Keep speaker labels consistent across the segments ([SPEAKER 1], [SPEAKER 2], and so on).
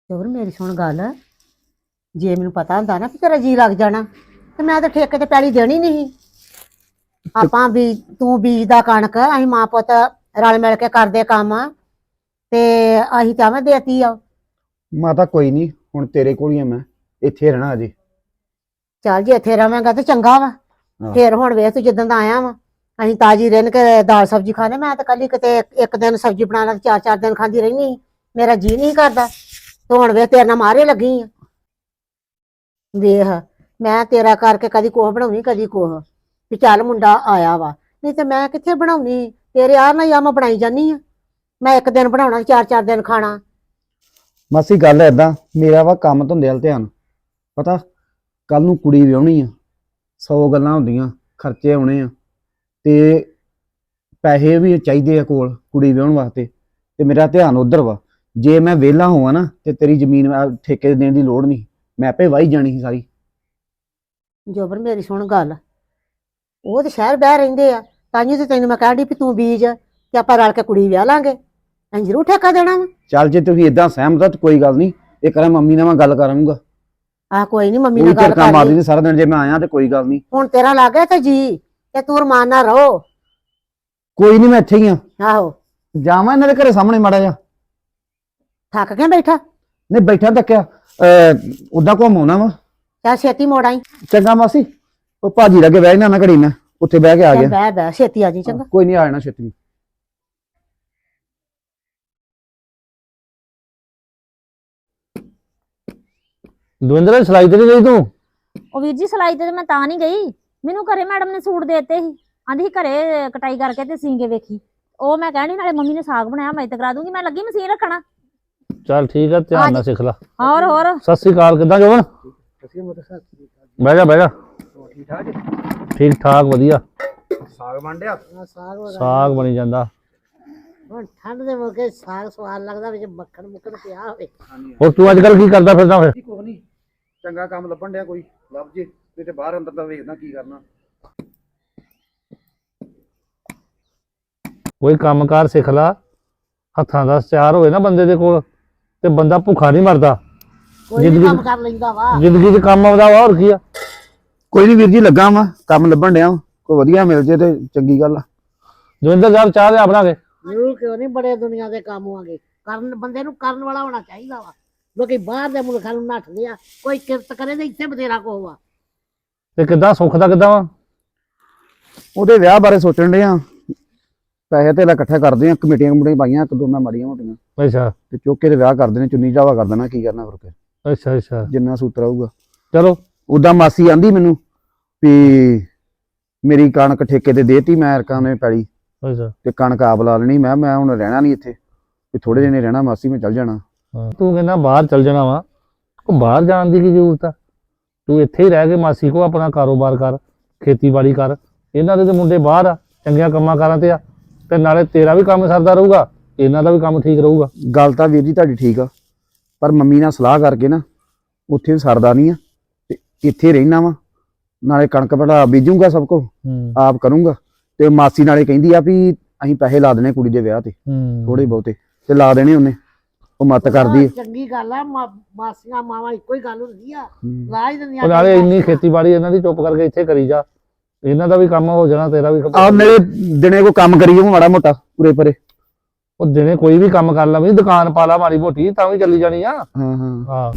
[SPEAKER 1] ਚੋਰ ਮੇਰੀ ਸੁਣ ਗੱਲ, ਜੇ ਮੈਨੂੰ ਪਤਾ ਹੁੰਦਾ ਨਾ ਕਿ ਤੇਰਾ ਜੀ ਲੱਗ ਜਾਣਾ ਤੇ ਮੈਂ ਤਾਂ ਠੇਕੇ ਤੇ ਪੈਲੀ ਦੇਣੀ ਨਹੀਂ। ਆਪਾਂ ਵੀ ਤੂੰ ਬੀਜਦਾ ਕਣਕ, ਅਸੀਂ ਮਾਂ ਪੁੱਤ ਰਲ ਮਿਲ ਕੇ ਕਰਦੇ ਕੰਮ ਤੇ ਅਸੀਂ ਤਾਂ ਮੈਂ ਦੇਤੀ ਆ।
[SPEAKER 2] ਮਾਤਾ ਕੋਈ ਨਹੀਂ, ਹੁਣ ਤੇਰੇ ਕੋਲ ਹੀ ਆ ਮੈਂ, ਇੱਥੇ ਰਹਿਣਾ ਅਜੇ।
[SPEAKER 1] ਚੱਲ ਜੇ ਇੱਥੇ ਰਵਾਂਗਾ ਤੇ ਚੰਗਾ ਵਾ।
[SPEAKER 2] ਹਾਂ।
[SPEAKER 1] ਫੇਰ ਹੁਣ ਵੇਖ ਤੂੰ ਜਿੱਦਾਂ ਦਾ ਆਇਆ ਵਾ, ਅਸੀਂ ਤਾਜੀ ਰਹਿਣ ਕੇ ਦਾਲ ਸਬਜ਼ੀ ਖਾਣੇ। ਮੈਂ ਤਾਂ ਕੱਲੀ ਕਿਤੇ ਇੱਕ ਦਿਨ ਸਬਜ਼ੀ ਬਣਾ ਲਾ, 4-4 ਦਿਨ ਖਾਂਦੀ ਰਹਿਣੀ। ਮੇਰਾ ਜੀ ਨਹੀਂ ਕਰਦਾ। ਤੂੰ ਹੁਣ ਵੇਖ ਤੇਰੇ ਨਾਲ ਮਾਰੇ ਲੱਗੀ ਆ। ਵੇਖ ਮੈਂ ਤੇਰਾ ਕਰਕੇ ਕਦੀ ਕੋਹ ਬਣਾਉਣੀ ਕਦੀ ਕੋਹ, ਵੀ ਚੱਲ ਮੁੰਡਾ ਆਇਆ ਵਾ, ਨਹੀਂ ਤੇ ਮੈਂ ਕਿੱਥੇ ਬਣਾਉਣੀ। ਤੇਰੇ ਆਹ ਨਾਲ ਆ ਮੈਂ ਬਣਾਈ ਜਾਨੀ ਆ। ਮੈਂ ਇੱਕ ਦਿਨ ਬਣਾਉਣਾ 4-4 ਦਿਨ ਖਾਣਾ।
[SPEAKER 2] ਮਾਸੀ ਗੱਲ ਏਦਾਂ, ਮੇਰਾ ਵਾ ਕੰਮ ਧੰਦੇ ਵੱਲ ਧਿਆਨ। ਪਤਾ ਕੱਲ ਨੂੰ ਕੁੜੀ ਵਿਆਹਣੀ ਆ, 100 ਗੱਲਾਂ ਹੁੰਦੀਆਂ, ਖਰਚੇ ਆਉਣੇ ਆ ਤੇ ਪੈਸੇ ਵੀ ਚਾਹੀਦੇ ਆ ਕੋਲ ਕੁੜੀ ਵਿਆਹਣ ਵਾਸਤੇ, ਤੇ ਮੇਰਾ ਧਿਆਨ ਉਧਰ ਵਾ। ਜੇ ਮੈਂ ਵਿਹਲਾ ਹੋਵਾਂ ਨਾ ਤੇ ਤੇਰੀ ਜ਼ਮੀਨ ਠੇਕੇ ਦੇਣ ਦੀ ਲੋੜ ਨਹੀਂ, ਮੈਂ ਆਪੇ ਵਾਹੀ ਜਾਣੀ ਸੀ ਸਾਰੀ।
[SPEAKER 1] ਜੋਬਰ ਮੇਰੀ ਸੁਣ ਗੱਲ, ਉਹ ਤੇ ਸ਼ਹਿਰ ਬਹਿ ਰਹਿੰਦੇ ਆ, ਤਾਂਹੀਓ ਤੇ ਤੈਨੂੰ ਮੈਂ ਕਹਿਣ ਡਈ ਵੀ ਤੂੰ ਬੀਜ ਤੇ ਆਪਾਂ ਰਲ ਕੇ ਕੁੜੀ ਵਿਆਹ ਲਾਂਗੇ। ਅਸੀਂ ਜ਼ਰੂਰ ਠੇਕਾ ਦੇਣਾ ਵਾ।
[SPEAKER 2] ਚੱਲ ਜੇ ਤੁਸੀਂ ਇਦਾਂ ਸਹਿਮਤ ਆ ਤਾਂ ਕੋਈ ਗੱਲ ਨਹੀਂ, ਇਹ ਕਰਾਂ ਮੰਮੀ ਨਾਲ ਮੈਂ ਗੱਲ ਕਰਾਂਗਾ।
[SPEAKER 1] ਆਹ ਕੋਈ ਨਹੀਂ, ਮੰਮੀ
[SPEAKER 2] ਕੋਈ
[SPEAKER 1] ਨਾਲ ਗੱਲ
[SPEAKER 2] ਝਟਕਾ
[SPEAKER 1] ਕਰ
[SPEAKER 2] ਮਾਰਦੀ
[SPEAKER 1] ਲਈ।
[SPEAKER 2] ਨਹੀਂ ਸਾਰਾ ਦਿਨ, ਜੇ ਮੈਂ ਆਇਆ ਤੇ ਕੋਈ ਗੱਲ ਨਹੀਂ।
[SPEAKER 1] ਹੁਣ ਤੇਰਾ ਲੱਗ ਗਿਆ ਤੇ ਜੀ ਤੇ ਤੂੰ ਰਮਾਨ ਨਾਲ ਰਹੋ।
[SPEAKER 2] ਕੋਈ ਨਹੀਂ, ਮੈਂ ਇੱਥੇ ਹੀ ਆ।
[SPEAKER 1] ਆਹੋ
[SPEAKER 2] ਜਾਵਾਂ ਇਹਨਾਂ ਦੇ ਘਰੇ ਸਾਹਮਣੇ ਮਾੜਾ ਜਿਹਾ।
[SPEAKER 1] ਥੱਕ ਗਿਆ ਬੈਠਾ?
[SPEAKER 2] ਨਹੀਂ ਬੈਠਾ ਤੱਕਿਆ, ਉਦਾਂ ਘੁੰਮਾਉਣਾ ਵਾ।
[SPEAKER 1] ਚੱਲ ਛੇਤੀ ਮੋੜ ਆਈ।
[SPEAKER 2] ਚੰਗਾ ਮਾਸੀ, ਉਹ ਭਾਜੀ ਲੱਗੇ ਬਹਿ ਜਾਣਾ, ਮੈਂ ਘੜੀ ਨਾ ਉੱਥੇ ਬਹਿ ਕੇ ਆ
[SPEAKER 1] ਚੱਲ
[SPEAKER 2] ਗਿਆ।
[SPEAKER 1] ਬਹਿ ਬਹਿ ਛੇਤੀ ਆ ਜੀ। ਚੰਗਾ
[SPEAKER 2] ਕੋਈ ਨਹੀਂ, ਆ ਜਾਣਾ ਛੇਤੀ।
[SPEAKER 3] ਦਵਿੰਦਰ ਸਲਾਈ ਤੇ ਨਹੀਂ ਗਈ ਤੂੰ?
[SPEAKER 4] ਉਹ ਵੀਰ ਜੀ ਸਲਾਈ ਤੇ ਮੈਂ ਤਾਂ ਨਹੀਂ ਗਈ, ਮੈਨੂੰ ਘਰੇ ਮੈਡਮ ਨੇ ਸੂਟ ਦੇਤੇ ਸੀ, ਆਂਦੀ ਸੀ ਘਰੇ ਕਟਾਈ ਕਰਕੇ ਤੇ ਸੀਂਗੇ ਵੇਖੀ। ਉਹ ਮੈਂ ਕਹਿਣੀ ਨਾਲੇ ਮੰਮੀ ਨੇ ਸਾਗ ਬਣਾਇਆ, ਮੈਂ ਤੇ ਕਰਾ ਦੂੰਗੀ, ਮੈਂ ਲੱਗੀ ਮਸ਼ੀਨ ਰੱਖਣਾ।
[SPEAKER 3] ਚੱਲ ਠੀਕ ਆ, ਧਿਆਨ ਨਾਲ ਸਿੱਖ ਲੈ।
[SPEAKER 4] ਹੋਰ
[SPEAKER 3] ਸਤਿ ਸ੍ਰੀ ਅਕਾਲ, ਕਿੱਦਾਂ ਜੋਬਨ? ਬਹਿ ਜਾ ਬਹਿ ਜਾ। ਠੀਕ ਠਾਕ ਵਧੀਆ।
[SPEAKER 2] ਸਾਗ ਮੰਡਿਆ?
[SPEAKER 3] ਸਾਗ ਬਣੀ ਜਾਂਦਾ।
[SPEAKER 1] ਹੁਣ ਠੰਡ ਦੇ ਮੌਕੇ ਸਾਗ ਸਵਾਦ ਲੱਗਦਾ, ਵਿੱਚ ਮੱਖਣ ਮੁੱਖਣ ਪਿਆ ਹੋਵੇ।
[SPEAKER 3] ਹੋਰ ਤੂੰ ਅੱਜ ਕੱਲ ਕੀ ਕਰਦਾ ਫਿਰਦਾ ਫਿਰ?
[SPEAKER 2] ਕੁਛ ਨਹੀਂ, ਚੰਗਾ ਕੰਮ ਲੱਭਣ ਡਿਆ, ਕੋਈ ਲੱਭ ਜੇ ਤੇ ਬਾਹਰ ਅੰਦਰ ਦਾ ਵੇਖਦਾ ਕੀ ਕਰਨਾ।
[SPEAKER 3] ਕੋਈ ਕੰਮਕਾਰ ਸਿੱਖ ਲਾ, ਹੱਥਾਂ ਦਾ ਸਚਾਰ ਹੋਵੇ ਨਾ ਬੰਦੇ ਦੇ ਕੋਲ ਤੇ ਬੰਦਾ ਭੁੱਖਾ ਨਹੀਂ ਮਰਦਾ।
[SPEAKER 1] ਕੋਈ ਨੀ ਕੰਮ ਕਰ ਲੈਂਦਾ ਵਾ।
[SPEAKER 3] ਜ਼ਿੰਦਗੀ 'ਚ ਕੰਮ ਆਉਂਦਾ ਵਾ, ਹੋਰ ਕੀ ਆ।
[SPEAKER 2] ਕੋਈ ਨਹੀਂ ਵੀਰ ਜੀ, ਲੱਗਾ ਵਾ ਕੰਮ ਲੱਭਣ ਡਿਆ, ਕੋਈ ਵਧੀਆ ਮਿਲ ਜੇ ਤੇ ਚੰਗੀ ਗੱਲ ਆ।
[SPEAKER 3] ਦਵਿੰਦਰ ਸਾਹਿਬ ਚਾਹ ਲਿਆ ਬਣਾ ਕੇ।
[SPEAKER 1] ਜ਼ਰੂਰ ਕਿਉਂ ਨਹੀਂ, ਬੜੇ ਦੁਨੀਆ ਦੇ ਕੰਮ ਹੋਣਗੇ। ਕਰਨ ਬੰਦੇ ਨੂੰ ਕਰਨ ਵਾਲਾ ਹੋਣਾ ਚਾਹੀਦਾ ਵਾ। ਲੋਕੀ ਬਾਹਰ ਦੇ ਮੁਲਕਾਂ ਨੂੰ ਨੱਠਦੇ ਆ, ਕੋਈ ਕਿਰਤ ਕਰੇ ਤੇ ਇੱਥੇ ਬਥੇਰਾ ਕੋ ਵਾ।
[SPEAKER 3] ਤੇ ਕਿੱਦਾਂ ਸੁੱਖ ਦਾ ਕਿੱਦਾਂ ਵਾ?
[SPEAKER 2] ਉਹਦੇ ਵਿਆਹ ਬਾਰੇ ਸੋਚਣ ਡਿਆ, ਪੈਸੇ ਤੇ ਇਕੱਠਾ ਕਰਦੇ ਆ, ਕਮੇਟੀਆਂ ਕਮੇਟੀਆਂ ਪਾਈਆਂ ਇੱਕ ਦੋ ਮੈਂ ਮਾੜੀਆਂ ਮੋਟੀਆਂ,
[SPEAKER 3] ਅੱਛਾ
[SPEAKER 2] ਤੇ ਚੁੱਕ ਕੇ ਤੇ ਵਿਆਹ ਕਰਦੇ ਨੇ, ਚੁੰਨੀ ਚਾਵਾ ਕਰ ਦੇਣਾ, ਕੀ ਕਰਨਾ ਫਿਰ
[SPEAKER 3] ਅੱਛਾ ਅੱਛਾ।
[SPEAKER 2] ਜਿੰਨਾ ਸੂਤਰ ਆਊਗਾ।
[SPEAKER 3] ਚਲੋ
[SPEAKER 2] ਉਦਾਂ ਮਾਸੀ ਆਂਦੀ ਮੈਨੂੰ ਵੀ ਮੇਰੀ ਕਣਕ ਠੇਕੇ ਤੇ ਦੇਤੀ, ਮੈਂ ਅਰਕਾਂ ਨੇ ਪੈਲੀ
[SPEAKER 3] ਅੱਛਾ।
[SPEAKER 2] ਤੇ ਕਣਕ ਆਪ ਲਾ ਲੈਣੀ। ਮੈਂ ਹੁਣ ਰਹਿਣਾ ਨਹੀਂ ਇੱਥੇ, ਵੀ ਥੋੜੇ ਦਿਨ ਹੀ ਰਹਿਣਾ ਮਾਸੀ, ਮੈਂ ਚੱਲ ਜਾਣਾ।
[SPEAKER 3] ਹਾਂ, ਤੂੰ ਕਹਿੰਦਾ ਬਾਹਰ ਚੱਲ ਜਾਣਾ ਵਾ, ਉਹ ਬਾਹਰ ਜਾਣ ਦੀ ਕੀ ਜ਼ਰੂਰਤ ਆ? ਤੂੰ ਇੱਥੇ ਹੀ ਰਹਿ ਕੇ ਮਾਸੀ ਕੋ ਆਪਣਾ ਕਾਰੋਬਾਰ ਕਰ, ਖੇਤੀਬਾੜੀ ਕਰ। ਇਹਨਾਂ ਦੇ ਤੇ ਮੁੰਡੇ ਬਾਹਰ ਆ, ਚੰਗੀਆਂ ਕੰਮਾਂ ਕਾਰਾਂ ਤੇ ਆ, ਤੇ ਨਾਲੇ ਤੇਰਾ ਵੀ ਕੰਮ ਸਰਦਾ ਰਹੂਗਾ, ਇਹਨਾਂ ਦਾ ਵੀ ਕੰਮ ਠੀਕ ਰਹੂਗਾ।
[SPEAKER 2] ਗੱਲ ਤਾਂ ਵੀਰ ਜੀ ਤੁਹਾਡੀ ਠੀਕ ਆ, ਪਰ ਮੰਮੀ ਨਾਲ ਸਲਾਹ ਕਰਕੇ ਨਾ ਉੱਥੇ ਸਰਦਾ ਨਹੀਂ ਆ, ਤੇ ਇੱਥੇ ਰਹਿਣਾ ਵਾ। ਨਾਲੇ ਕਣਕ ਬੜਾ ਬੀਜੂਗਾ, ਸਭ ਕੁਝ ਆਪ ਕਰੂੰਗਾ। ਤੇ ਮਾਸੀ ਨਾਲੇ ਕਹਿੰਦੀ ਆ ਵੀ ਅਸੀਂ ਪੈਸੇ ਲਾ ਦੇਣੇ ਕੁੜੀ ਦੇ ਵਿਆਹ ਤੇ, ਥੋੜੇ ਬਹੁਤੇ ਤੇ ਲਾ ਦੇਣੇ ਉਹਨੇ, ਉਹ ਮੱਤ ਕਰਦੀ ਆ।
[SPEAKER 1] ਚੰਗੀ ਗੱਲ ਆ, ਮਾਸੀਆਂ ਮਾਵਾਂ ਇੱਕੋ ਹੀ ਗੱਲ ਹੁੰਦੀ ਆ, ਲਾ ਹੀ ਦਿੰਦੀਆਂ।
[SPEAKER 3] ਉਹ ਨਾਲੇ ਇੰਨੀ ਖੇਤੀਬਾੜੀ ਇਹਨਾਂ ਦੀ ਚੁੱਪ ਕਰਕੇ ਇੱਥੇ ਕਰੀ ਜਾ, ਇਹਨਾਂ ਦਾ ਵੀ ਕੰਮ ਹੋ ਜਾਣਾ, ਤੇਰਾ ਵੀ।
[SPEAKER 2] ਆਹ ਮੇਰੇ ਦਿਨੇ ਕੋਈ ਕੰਮ ਕਰੀ ਜਾਊ ਮਾੜਾ ਮੋਟਾ ਪੂਰੇ ਪਰੇ।
[SPEAKER 3] ਉਹ ਦਿਨੇ ਕੋਈ ਵੀ ਕੰਮ ਕਰ ਲਾ, ਵੀ ਦੁਕਾਨ ਪਾ ਲਾ ਮਾੜੀ ਮੋਟੀ, ਤਾਂ ਵੀ ਚੱਲੀ ਜਾਣੀ ਆ।
[SPEAKER 2] ਹਾਂ ਹਾਂ
[SPEAKER 3] ਹਾਂ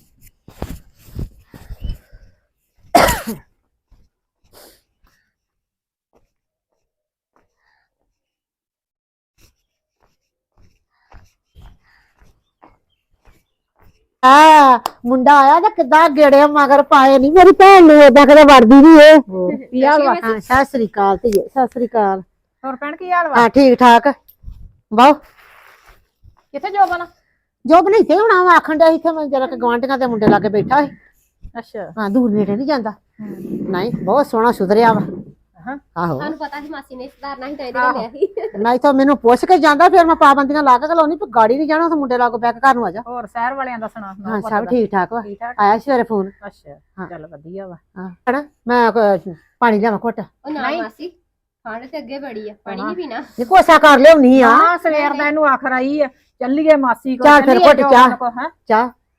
[SPEAKER 1] ਆ ਮੁੰਡਾ ਆਇਆ ਤਾਂ ਕਿੱਦਾਂ ਗੇੜੇ ਮਗਰ ਪਾਏ ਨਹੀਂ। ਮੇਰੀ ਭੈਣ ਨੂੰ ਏਦਾਂ ਕਦੇ ਵੜਦੀ ਨਹੀਂ ਏ।
[SPEAKER 4] ਕੀ ਹਾਲ ਵਾ?
[SPEAKER 1] ਹਾਂ ਸਤਿ ਸ੍ਰੀ ਅਕਾਲ ਧੀਏ, ਸਤਿ ਸ੍ਰੀ ਅਕਾਲ।
[SPEAKER 4] ਹੋਰ ਭੈਣ ਕੀ ਹਾਲ ਵਾ?
[SPEAKER 1] ਹਾਂ ਠੀਕ ਠਾਕ। ਬਹੁ
[SPEAKER 4] ਕਿੱਥੇ ਜੋਬਨ?
[SPEAKER 1] ਜੋਬ ਨਹੀਂ ਤੇ ਹੁਣ ਆਖਣ ਡਿਆ ਇੱਥੇ ਮੈਂ ਜਰਾ ਗਵਾਂਢੀਆਂ ਦੇ ਮੁੰਡੇ ਲਾ ਕੇ ਬੈਠਾ ਸੀ।
[SPEAKER 4] ਅੱਛਾ।
[SPEAKER 1] ਹਾਂ ਦੂਰ ਨੇੜੇ ਨਹੀਂ ਜਾਂਦਾ। ਨਹੀਂ ਬਹੁਤ ਸੋਹਣਾ ਸੁਧਰਿਆ ਵਾ। ਆਹੋ
[SPEAKER 5] ਸਾਨੂੰ ਪਤਾ ਸੀ ਮਾਸੀ ਨੇ ਸੁਧਾਰਨਾ ਸੀ ਤਾਂ ਇਹਦੇ ਨਾਲ ਲਿਆ ਸੀ।
[SPEAKER 1] ਨਹੀਂ ਤਾਂ ਮੈਨੂੰ ਪੁੱਛ ਕੇ ਜਾਂਦਾ, ਫਿਰ ਮੈਂ ਪਾਬੰਦੀਆਂ ਲਾ ਕੇ ਘਲਾਉਣੀ, ਪਰ ਗਾੜੀ ਨਹੀਂ ਜਾਣਾ, ਉੱਥੇ ਮੁੰਡੇ ਲਾ ਕੇ ਬੈਠ ਕੇ ਘਰ ਨੂੰ ਆ ਜਾ।
[SPEAKER 4] ਹੋਰ ਸ਼ਹਿਰ ਵਾਲਿਆਂ ਦਾ ਸੁਣਾ।
[SPEAKER 1] ਹਾਂ ਸਭ ਠੀਕ ਠਾਕ ਵਾ।
[SPEAKER 4] ਠੀਕ ਠਾਕ।
[SPEAKER 1] ਆਇਆ ਸਵੇਰੇ ਫੋਨ।
[SPEAKER 4] ਅੱਛਾ ਚੱਲ ਵਧੀਆ ਵਾ।
[SPEAKER 1] ਹਾਂ ਹਨਾ ਮੈਂ ਪਾਣੀ ਲਿਆਵਾਂ ਘੁੱਟ।
[SPEAKER 5] ਉਹ ਨਾ ਮਾਸੀ, ਠੰਡ ਤੇ ਅੱਗੇ ਬੜੀ ਆ, ਪਾਣੀ ਨਹੀਂ ਪੀਣਾ।
[SPEAKER 1] ਨਹੀਂ ਕੋਸਾ ਕਰ ਲਿਆਉਣੀ ਆ।
[SPEAKER 4] ਹਾਂ ਸਵੇਰ ਦਾ ਇਹਨੂੰ ਆਖਰ ਆਈ ਆ, ਚੱਲੀਏ ਮਾਸੀ ਕੋਲ,
[SPEAKER 1] ਚੱਲ ਫਿਰ ਘੁੱਟ ਚਾਹ।
[SPEAKER 4] ਹੈ
[SPEAKER 1] ਚਾਹ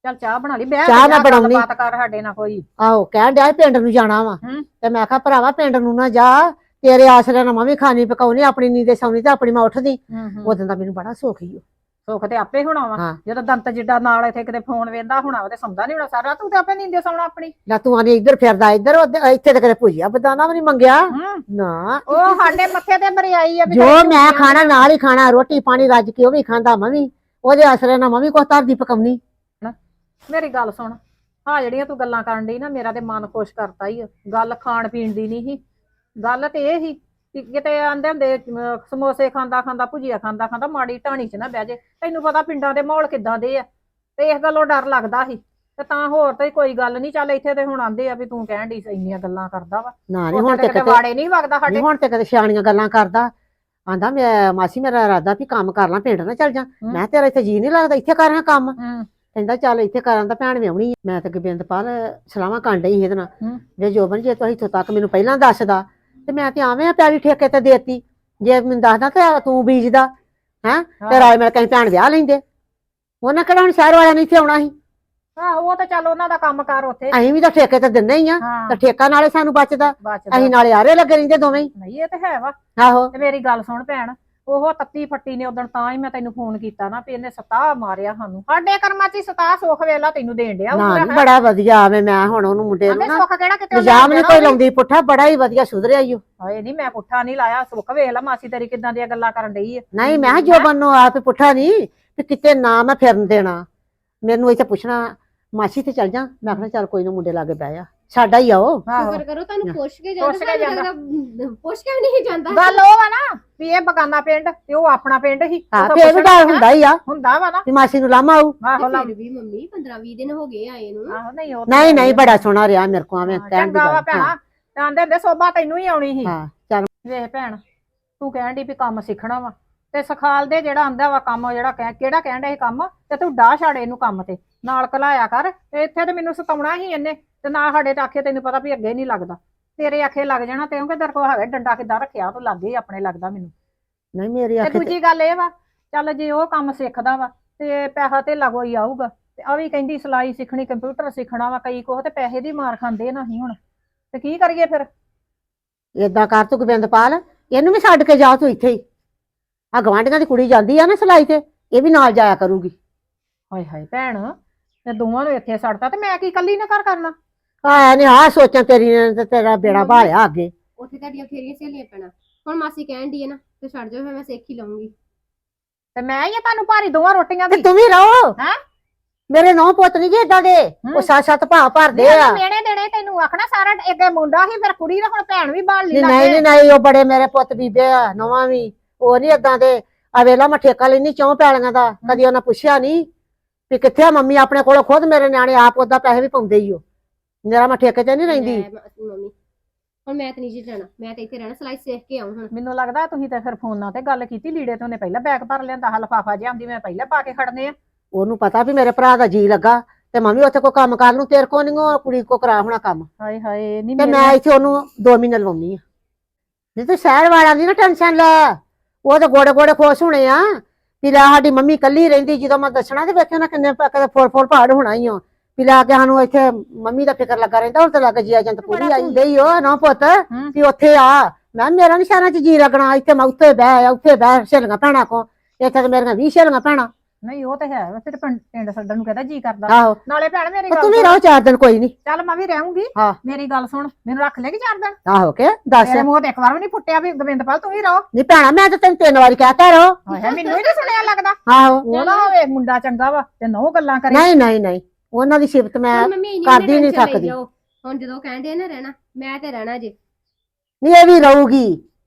[SPEAKER 6] ਚੱਲ ਚਾਹ ਬਣਾ ਲਈ ਬਹਿ
[SPEAKER 1] ਚਾਹ ਮੈਂ ਬਣਾਉਣੀ।
[SPEAKER 6] ਬਾਤ ਕਰ ਸਾਡੇ ਨਾਲ ਕੋਈ।
[SPEAKER 1] ਆਹੋ ਕਹਿਣ ਡਿਆ ਸੀ ਪਿੰਡ ਨੂੰ ਜਾਣਾ ਵਾ
[SPEAKER 6] ਹੂੰ।
[SPEAKER 1] ਤੇ ਮੈਂ ਕਿਹਾ ਭਰਾਵਾ ਪਿੰਡ ਨੂੰ ਨਾ ਜਾ, ਤੇਰੇ ਆਸਰੇ ਨਾਲ ਮੈਂ ਵੀ ਖਾਣੀ ਪਕਾਉਣੀ, ਆਪਣੀ ਨੀਂਦੇ ਸੌਣੀ ਤੇ ਆਪਣੀ ਮੈਂ ਉੱਠਦੀ। ਉਦੋਂ ਦਾ ਮੈਨੂੰ ਬੜਾ ਸੁੱਖ ਹੀ
[SPEAKER 6] ਸੁੱਖ ਤੇ ਆਪੇ ਹੋਣਾ ਵਾ।
[SPEAKER 1] ਹਾਂ।
[SPEAKER 6] ਜਦੋਂ ਦੰਤ ਜਿੱਡਾ ਨਾਲ ਇੱਥੇ ਕਿਤੇ ਫੋਨ ਵੇਂਦਾ ਹੋਣਾ ਉਹਦੇ ਸੌਂਦਾ ਨਹੀਂ ਹੋਣਾ ਸਾਰਾ, ਤੂੰ ਤੇ ਆਪੇ ਨੀਂਦੇ ਸੌਣਾ ਆਪਣੀ।
[SPEAKER 1] ਲੈ ਤੂੰ ਆਨੇ ਇੱਧਰ ਫਿਰਦਾ ਇੱਧਰ ਇੱਥੇ ਤੇ ਕਦੇ ਭੁਜੀਆ ਬਦਾਨਾ ਵੀ ਨਹੀਂ ਮੰਗਿਆ ਨਾ।
[SPEAKER 6] ਉਹ ਸਾਡੇ ਮੱਥੇ ਤੇ ਬਰਿਆਈ ਆ ਵੀ
[SPEAKER 1] ਜੋ
[SPEAKER 6] ਤੇਰੀ
[SPEAKER 1] ਮੈਂ
[SPEAKER 6] ਭੁਜੀਆ
[SPEAKER 1] ਖਾਣਾ ਨਾਲ ਹੀ ਖਾਣਾ, ਰੋਟੀ ਪਾਣੀ ਰੱਜ ਕੇ ਉਹ ਵੀ ਖਾਂਦਾ ਮੈਂ ਵੀ, ਉਹਦੇ ਆਸਰੇ ਨਾਲ ਮੈਂ ਵੀ ਕੁਛ ਧਰਦੀ ਪਕਾਉਣੀ।
[SPEAKER 6] ਮੇਰੀ ਗੱਲ ਸੁਣ, ਹਾਂ ਜਿਹੜੀਆਂ ਤੂੰ ਗੱਲਾਂ ਕਰਨ ਡਈ ਨਾ ਮੇਰਾ ਤੇ ਮਨ ਖੁਸ਼ ਕਰਤਾ ਹੀ। ਗੱਲ ਖਾਣ ਪੀਣ ਦੀ ਨਹੀਂ ਸੀ, ਗੱਲ ਤੇ ਇਹ ਸੀ ਕਿ ਕਿਤੇ ਆਂਦੇ ਹੁੰਦੇ ਸਮੋਸੇ ਖਾਂਦਾ ਖਾਂਦਾ ਭੁਜੀਆ ਖਾਂਦਾ ਖਾਂਦਾ ਮਾੜੀ ਢਾਣੀ 'ਚ ਨਾ ਬਹਿ ਜੇ। ਤੈਨੂੰ ਪਤਾ ਪਿੰਡਾਂ ਦੇ ਮਾਹੌਲ ਕਿੱਦਾਂ ਦੇ ਆ, ਤੇ ਇਸ ਗੱਲੋਂ ਡਰ ਲੱਗਦਾ ਸੀ। ਤੇ ਤਾਂ ਹੋਰ ਤੇ ਕੋਈ ਗੱਲ ਨਹੀਂ, ਚੱਲ ਇੱਥੇ ਤੇ ਹੁਣ ਆਂਦੇ ਆ ਵੀ ਤੂੰ ਕਹਿਣ ਡਈ ਇੰਨੀਆਂ ਗੱਲਾਂ ਕਰਦਾ ਵਾ।
[SPEAKER 1] ਨਾ ਨਹੀਂ ਹੁਣ ਤੇ
[SPEAKER 6] ਕਿਤੇ
[SPEAKER 1] ਕਿਤੇ
[SPEAKER 6] ਵਾੜੇ ਨਹੀਂ ਵਗਦਾ ਸਾਡੇ।
[SPEAKER 1] ਹੁਣ ਤੇ ਕਦੇ ਸਿਆਣੀਆਂ ਗੱਲਾਂ ਕਰਦਾ। ਆਂਦਾ ਮੈਂ ਮਾਸੀ ਮੇਰਾ ਇਰਾਦਾ ਵੀ ਕੰਮ ਕਰ ਲਾਂ, ਪਿੰਡ ਨਾ ਚੱਲ ਜਾ। ਮੈਂ ਤੇਰਾ ਇੱਥੇ ਜੀ ਨਹੀਂ ਲੱਗਦਾ, ਇੱਥੇ ਕਰ ਰਿਹਾ ਕੰਮ। ਕਹਿੰਦਾ ਚੱਲ ਇੱਥੇ ਕਰਾਂ ਤਾਂ ਭੈਣ ਵਿਆਹੁਣੀ ਆ। ਮੈਂ ਤੇ ਗੋਬਿੰਦਪਾਲ ਸਲਾਹਾਂ ਕਰਨ ਡਈ ਸੀ ਇਹਦੇ ਨਾਲ ਜੇ ਜੋਬਨ ਜੇ ਤੂੰ ਇੱਥੋਂ ਤੱਕ ਮੈਨੂੰ ਪਹਿਲਾਂ ਦੱਸਦਾ ਤੇ ਮੈਂ ਤੇ ਆਵੇਂ ਆ ਪੈਲੀ ਠੇਕੇ ਤੇ ਦੇਤੀ। ਜੇ ਮੈਨੂੰ ਦੱਸਦਾ ਤੇ ਤੂੰ ਬੀਜਦਾ ਹੈਂ ਤੇ ਰਾਏ ਮਿਲ ਕੇ ਭੈਣ ਵਿਆਹ ਲੈਂਦੇ। ਉਹਨਾਂ ਕਿਹੜਾ ਹੁਣ ਸ਼ਹਿਰ ਵਾਲਿਆਂ ਨੇ ਇੱਥੇ ਆਉਣਾ ਸੀ।
[SPEAKER 6] ਆਹੋ ਉਹ ਤਾਂ ਚੱਲ ਉਹਨਾਂ ਦਾ ਕੰਮ ਕਾਰ ਉੱਥੇ।
[SPEAKER 1] ਅਸੀਂ ਵੀ ਤਾਂ ਠੇਕੇ ਤੇ ਦਿੰਦੇ ਹੀ ਆ, ਤੇ ਠੇਕਾ ਨਾਲੇ ਸਾਨੂੰ ਬਚਦਾ,
[SPEAKER 6] ਬਚਦਾ
[SPEAKER 1] ਅਸੀਂ ਨਾਲੇ ਆਰੇ ਲੱਗੇ ਰਹਿੰਦੇ ਦੋਵੇਂ ਹੀ।
[SPEAKER 6] ਨਹੀਂ ਇਹ ਤੇ ਹੈ ਵਾ।
[SPEAKER 1] ਆਹੋ
[SPEAKER 6] ਤੇ ਮੇਰੀ ਗੱਲ ਸੁਣ ਭੈਣ, ਉਹ ਤੱਤੀ ਫੱਟੀ ਨੇ ਉਦੋਂ ਤਾਂ ਹੀ ਮੈਂ ਤੈਨੂੰ ਫੋਨ ਕੀਤਾ ਨਾ ਵੀ ਇਹਨੇ ਸਤਾਹ ਮਾਰਿਆ ਸਾਨੂੰ। ਸਾਡੇ ਕਰਮਾਂ 'ਚ ਸਤਾਹ ਸੁੱਖ ਵੇਲਾ ਤੈਨੂੰ ਦੇਣ ਡਿਆ।
[SPEAKER 1] ਨਾ ਨੀ ਬੜਾ ਵਧੀਆ ਆਵੇ। ਮੈਂ ਹੁਣ ਉਹਨੂੰ ਮੁੰਡੇ ਨੂੰ ਨਾ
[SPEAKER 6] ਸੁੱਖ ਕਿਹੜਾ ਕਿਤੇ
[SPEAKER 1] ਇਲਜ਼ਾਮ ਨਹੀਂ ਕੋਈ ਲਾਉਂਦੀ ਪੁੱਠਾ, ਬੜਾ ਹੀ ਵਧੀਆ ਸੁਧਰਿਆ ਈ ਓ।
[SPEAKER 6] ਹਾਏ ਨਹੀਂ ਮੈਂ ਪੁੱਠਾ ਨਹੀਂ ਲਾਇਆ। ਸੁੱਖ ਵੇਖ ਲਾ ਮਾਸੀ ਤੇਰੀ ਕਿੱਦਾਂ ਦੀਆਂ ਗੱਲਾਂ ਕਰਨ ਡਈ ਆ।
[SPEAKER 1] ਨਹੀਂ ਮੈਂ ਜੋਬਨ ਨੂੰ ਆਪ ਪੁੱਠਾ ਨਹੀਂ ਤੇ ਕਿਤੇ ਨਾ ਮੈਂ ਫਿਰਨ ਦੇਣਾ। ਮੈਨੂੰ ਇੱਥੇ ਪੁੱਛਣਾ ਮਾਸੀ ਤੇ ਚੱਲ ਜਾ, ਮੈਂ ਆਖਣਾ ਚੱਲ ਕੋਈ ਨਾ ਮੁੰਡੇ ਲਾਗੇ ਬਹਿ ਜਾ, ਸਾਡਾ ਹੀ ਆਓ।
[SPEAKER 5] ਸ਼ੁਕਰ ਕਰੋ ਤੁਹਾਨੂੰ ਪੁੱਛ ਕੇ
[SPEAKER 6] ਪੁੱਛ ਕੇ
[SPEAKER 5] ਜਾਂਦਾ, ਪੁੱਛ ਕੇ ਵੀ ਨਹੀਂ ਜਾਂਦਾ।
[SPEAKER 6] ਗੱਲ ਉਹ ਵਾ ਨਾ ਵੀ ਇਹ ਬਗਾਨਾ ਪਿੰਡ ਤੇ ਉਹ ਆਪਣਾ ਪਿੰਡ ਹੀ।
[SPEAKER 1] ਹਾਂ ਫੇਰ ਵੀ ਡਰ ਹੁੰਦਾ ਹੀ ਆ
[SPEAKER 6] ਹੁੰਦਾ ਵਾ ਨਾ
[SPEAKER 1] ਵੀ ਮਾਸੀ ਨੂੰ ਲਾਮਾ ਆਊ।
[SPEAKER 6] ਆਹੋ ਲਾ
[SPEAKER 5] ਫਿਰ ਵੀ ਮੰਮੀ 15-20 ਦਿਨ ਹੋ ਗਏ ਆਏ ਨੂੰ।
[SPEAKER 6] ਆਹੋ ਨਹੀਂ ਉਹ
[SPEAKER 1] ਨਹੀਂ ਨਹੀਂ ਬੜਾ ਸੋਹਣਾ ਰਿਹਾ ਮੇਰੇ ਕੋ, ਐਵੇਂ ਕਹਿਣ ਦੀ
[SPEAKER 6] ਚੰਗਾ ਵਾ
[SPEAKER 1] ਗੱਲ।
[SPEAKER 6] ਭੈਣਾ, ਆਂਦੇ ਹੁੰਦੇ ਸੋਭਾ ਤੈਨੂੰ ਹੀ ਆਉਣੀ ਸੀ।
[SPEAKER 1] ਹਾਂ ਚੱਲ
[SPEAKER 6] ਵੇਖ ਭੈਣ, ਤੂੰ ਕਹਿਣ ਡਈ ਵੀ ਕੰਮ ਸਿੱਖਣਾ ਵਾ ਤੇ ਸਿਖਾਲ ਦੇ ਜਿਹੜਾ ਆਂਦਾ ਵਾ ਕੰਮ, ਜਿਹੜਾ ਕਿਹੜਾ ਕਹਿਣ ਡਿਆ ਇਹ ਕੰਮ, ਤੇ ਤੂੰ ਡਾਹ ਛਾੜ ਇਹਨੂੰ ਕੰਮ ਤੇ ਨਾਲ ਕਲਾਇਆ ਕਰ। ਤੇ ਇੱਥੇ ਤੇ ਮੈਨੂੰ ਸਤਾਉਣਾ ਹੀ ਇਹਨੇ, ਤੇ ਨਾ ਸਾਡੇ ਤਾਂ ਆਖੇ ਤੈਨੂੰ ਪਤਾ ਵੀ ਅੱਗੇ ਨਹੀਂ ਲੱਗਦਾ, ਤੇਰੇ ਆਖੇ ਲੱਗ ਜਾਣਾ। ਤੇ ਕਿਉਂਕਿ ਤੇਰੇ ਕੋਲ ਹੈਗਾ ਡੰਡਾ ਕਿੱਦਾਂ ਰੱਖਿਆ, ਤੂੰ ਲੱਗੇ ਹੀ ਆਪਣੇ ਲੱਗਦਾ ਮੈਨੂੰ।
[SPEAKER 1] ਨਹੀਂ ਮੇਰੀ
[SPEAKER 6] ਤੇ
[SPEAKER 1] ਅੱਖ
[SPEAKER 6] ਦੂਜੀ ਗੱਲ ਇਹ ਵਾ, ਚੱਲ ਜੇ ਉਹ ਕੰਮ ਸਿੱਖਦਾ ਵਾ ਤੇ ਪੈਸਾ ਤੇ ਕੋਈ ਆਊਗਾ। ਤੇ ਆ ਵੀ ਕਹਿੰਦੀ ਸਿਲਾਈ ਸਿੱਖਣੀ, ਕੰਪਿਊਟਰ ਸਿੱਖਣਾ ਵਾ, ਕਈ ਕੋਹ ਤੇ ਪੈਸੇ ਦੀ ਮਾਰ ਖਾਂਦੇ ਨਹੀਂ ਹੁਣ, ਤੇ ਕੀ ਕਰੀਏ ਫਿਰ।
[SPEAKER 1] ਏਦਾਂ ਕਰ ਤੂੰ ਗੋਬਿੰਦਪਾਲ, ਇਹਨੂੰ ਵੀ ਛੱਡ ਕੇ ਜਾ ਤੂੰ ਇੱਥੇ ਹੀ। ਆ ਗਵਾਂਢੀਆਂ ਦੀ ਕੁੜੀ ਜਾਂਦੀ ਆ ਨਾ ਸਿਲਾਈ ਤੇ, ਇਹ ਵੀ ਨਾਲ ਜਾਇਆ ਕਰੂਗੀ।
[SPEAKER 6] ਹਾਏ ਹਾਏ ਭੈਣ, ਤੇ ਦੋਵਾਂ ਨੂੰ ਇੱਥੇ ਛੱਡਤਾ ਤੇ ਮੈਂ ਕੀ ਕੱਲੀ ਨੇ ਘਰ ਕਰਨਾ।
[SPEAKER 1] ਆ ਨਹੀਂ ਆ ਸੋਚਾਂ ਤੇਰੀ ਨੇ ਤੇ ਤੇਰਾ ਬੇੜਾ ਭਾਲਿਆ ਅੱਗੇ।
[SPEAKER 5] ਉੱਥੇ ਤੁਹਾਡੀਆਂ ਫੇਰੀਆਂ ਸਹੇਲੀਆਂ ਪੈਣਾ। ਹੁਣ ਮਾਸੀ ਕਹਿਣ ਦੀ ਹੈ ਨਾ ਤੇ ਛੱਡ ਜਾਓ, ਫਿਰ ਮੈਂ ਸਿੱਖ ਹੀ ਲਵਾਂਗੀ।
[SPEAKER 6] ਤੇ ਮੈਂ ਹੀ ਆ ਤੁਹਾਨੂੰ ਭਾਰੀ ਦੋਵਾਂ ਰੋਟੀਆਂ
[SPEAKER 1] ਤੇ
[SPEAKER 6] ਦੀ।
[SPEAKER 1] ਤੂੰ ਵੀ ਰਹੋ।
[SPEAKER 6] ਹੈਂ?
[SPEAKER 1] ਮੇਰੇ ਨੌ ਪੁੱਤ ਨਹੀਂ ਜੀ ਏਦਾਂ ਦੇ, ਉਹ ਸੱਤ ਭਾ ਭਰਦੇ ਆ।
[SPEAKER 6] ਮੇਣੇ ਦੇਣੇ ਤੈਨੂੰ ਆਖਣਾ ਸਾਰਾ ਅੱਗੇ ਮੁੰਡਾ ਸੀ, ਫਿਰ ਕੁੜੀ ਦਾ ਹੁਣ ਭੈਣ ਵੀ ਬਾਲ ਲਈ
[SPEAKER 1] ਨਹੀਂ ਨਹੀਂ ਨਹੀਂ ਉਹ ਬੜੇ ਮੇਰੇ ਪੁੱਤ ਬੀਬੇ ਆ, ਨਵਾਂ ਵੀ ਉਹ ਨਹੀਂ ਏਦਾਂ ਦੇ। ਆ ਵੇਲਾ ਮੈਂ ਠੇਕਾ ਲੈਣੀ 4 ਪੈਲੀਆਂ ਦਾ, ਕਦੀ ਉਹਨਾਂ ਪੁੱਛਿਆ ਨਹੀਂ ਵੀ ਕਿੱਥੇ ਆ ਮੰਮੀ ਆਪਣੇ ਕੋਲ। ਖੁਦ ਮੇਰੇ ਨਿਆਣੇ ਆਪ ਉਹਦਾ ਪੈਸੇ ਵੀ ਪਾਉਂਦੇ ਹੀ ਉਹ। ਮੇਰਾ ਮੈਂ ਠੇਕੇ ਤੇ ਨਹੀਂ ਰਹਿੰਦੀ।
[SPEAKER 5] ਮੰਮੀ ਹੁਣ ਮੈਂ ਤੇ ਨਹੀਂ ਜੀ ਜਾਣਾ, ਮੈਂ ਤੇ ਇੱਥੇ ਰਹਿਣਾ, ਸਿਲਾਈ ਸਿੱਖ ਕੇ ਆਉਂ। ਹੁਣ
[SPEAKER 6] ਮੈਨੂੰ ਲੱਗਦਾ ਤੁਸੀਂ ਤੇ ਫਿਰ ਫੋਨਾਂ ਤੇ ਗੱਲ ਕੀਤੀ, ਲੀੜੇ ਤੇ ਉਹਨੇ ਪਹਿਲਾਂ ਬੈਗ ਭਰ ਲਿਆਂਦਾ, ਲਿਫਾਫਾ ਜਿਹਾ ਆਂਦੀ ਮੈਂ ਪਹਿਲਾਂ ਪਾ ਕੇ ਖੜਨੇ ਆ।
[SPEAKER 1] ਉਹਨੂੰ ਪਤਾ ਵੀ ਮੇਰੇ ਭਰਾ ਦਾ ਜੀ ਲੱਗਾ ਤੇ ਮੰਮੀ ਉੱਥੇ ਕੋਈ ਕੰਮ ਕਰ ਲੂੰ, ਤੇਰੇ ਕੋ ਨਹੀਂ ਉਹ ਕੁੜੀ ਕੋ ਕਰਾ ਹੋਣਾ ਕੰਮ।
[SPEAKER 6] ਹਾਏ ਹਾਏ ਨਹੀਂ
[SPEAKER 1] ਤੇ ਮੈਂ ਇੱਥੇ ਉਹਨੂੰ 2 ਮਹੀਨੇ ਲਵਾਉਣੀ ਆ। ਨਹੀਂ ਤੂੰ ਸ਼ਹਿਰ ਵਾਲਾ ਦੀ ਨਾ ਟੈਨਸ਼ਨ ਲੈ, ਉਹ ਤਾਂ ਗੋੜੇ ਗੋੜੇ ਖੁਸ਼ ਹੋਣੇ ਆ ਵੀ ਲੈ ਸਾਡੀ ਮੰਮੀ ਕੱਲੀ ਰਹਿੰਦੀ। ਜਦੋਂ ਮੈਂ ਦੱਸਣਾ ਤੇ ਵੇਖਿਆ ਨਾ ਕਿੰਨੇ ਫੁੱਲ ਪਹਾੜ ਹੋਣਾ ਹੀ ਆ ਵੀ ਲੈ ਕੇ ਸਾਨੂੰ ਇੱਥੇ ਮੰਮੀ ਦਾ ਫਿਕਰ ਲੱਗਾ ਰਹਿੰਦਾ। ਹੁਣ ਤਾਂ ਲੱਗ ਜੀ ਏਜੰਟ ਪੂਰੀ ਆਈ ਗਈ ਉਹ ਨਾ ਪੁੱਤ ਵੀ ਉੱਥੇ ਆ। ਮੈਂ ਮੇਰਾ ਨੀ ਸ਼ਹਿਰਾਂ 'ਚ ਜੀ ਲੱਗਣਾ, ਇੱਥੇ ਮੈਂ ਉੱਥੇ ਬਹਿ ਉੱਥੇ ਬਹਿ ਸਹੇਲੀਆਂ ਭੈਣਾਂ ਕੋ, ਇੱਥੇ ਤੇ ਮੇਰੀਆਂ 20 ਸਹੇਲੀਆਂ ਭੈਣਾਂ।
[SPEAKER 6] ਨਹੀਂ ਉਹ ਤੇ ਹੈ, ਫਿਰ ਪਿੰਡ ਛੱਡਣ ਨੂੰ ਕਹਿੰਦਾ ਜੀ ਕਰਦਾ।
[SPEAKER 1] ਆਹੋ
[SPEAKER 6] ਨਾਲੇ ਭੈਣ ਮੇਰੀ
[SPEAKER 1] ਤੂੰ
[SPEAKER 6] ਗੱਲ
[SPEAKER 1] ਵੀ ਰਹੋ 4 ਦਿਨ ਕੋਈ ਨਹੀਂ।
[SPEAKER 6] ਚੱਲ ਮੈਂ ਵੀ ਰਹੂੰਗੀ।
[SPEAKER 1] ਹਾਂ
[SPEAKER 6] ਮੇਰੀ ਗੱਲ ਸੁਣ, ਮੈਨੂੰ ਰੱਖ ਲੇਗੀ 4 ਦਿਨ?
[SPEAKER 1] ਆਹੋ ਕੇ ਦੱਸ।
[SPEAKER 6] ਤੇਰੇ ਮੂੰਹ ਤੇ ਇੱਕ ਵਾਰ ਵੀ ਨਹੀਂ ਫੁੱਟਿਆ ਵੀ ਗੋਬਿੰਦਪਾਲ ਤੂੰ ਵੀ ਰਹੋ।
[SPEAKER 1] ਨਹੀਂ ਭੈਣਾ ਮੈਂ ਤਾਂ ਤੈਨੂੰ 3 ਵਾਰੀ ਕਹਿਤਾ ਰਹੋ।
[SPEAKER 6] ਹਾਏ ਮੈਨੂੰ ਹੀ ਨਹੀਂ ਸੁਣਿਆ ਲੱਗਦਾ।
[SPEAKER 1] ਆਹੋ
[SPEAKER 6] ਉਹ ਨਾ ਹੋਵੇ ਮੁੰਡਾ ਚੰਗਾ ਵਾ ਤੇ ਨਹੁੰ ਗੱਲਾਂ ਕਰੇ।
[SPEAKER 1] ਨਹੀਂ ਨਹੀਂ ਨਹੀਂ ਉਹਨਾਂ ਦੀ ਸਿਫਤ ਮੈਂ
[SPEAKER 5] ਹੁਣ ਮੰਮੀ ਇੰਨੀ
[SPEAKER 1] ਕਰਦੀ ਨੀ
[SPEAKER 5] tension ਲਈ
[SPEAKER 1] ਥੱਕਦੀ।
[SPEAKER 5] ਜਾਓ। ਹੁਣ ਜਦੋਂ ਕਹਿੰਦੇ ਨਾ ਰਹਿਣਾ, ਮੈਂ ਤੇ ਰਹਿਣਾ ਜੇ।
[SPEAKER 1] ਨਹੀਂ ਇਹ ਵੀ ਰਹੂਗੀ।